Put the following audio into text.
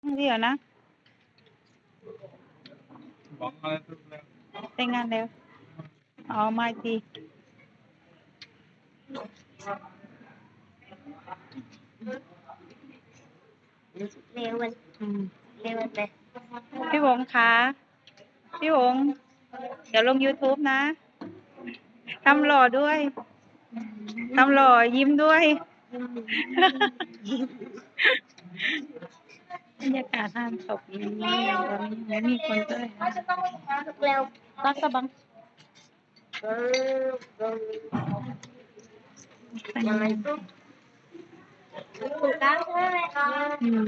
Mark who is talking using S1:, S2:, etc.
S1: เดี๋ยวนะแต่งงานแล้วอ๋อมาอีกที
S2: เร็วมัน
S1: อืม
S2: เร็วไป
S1: พี่หงคะพี่หงเดี๋ยวลง YouTube นะทำหล่อด้วยทำหล่อยิ้มด้วยบรรยากาศงานศพนี้ไม่มีคนเลย
S2: เร็ว
S1: รักสะบัง
S2: ยังไงปุ๊บถูกต้องใช่ไหมคะ
S1: อืม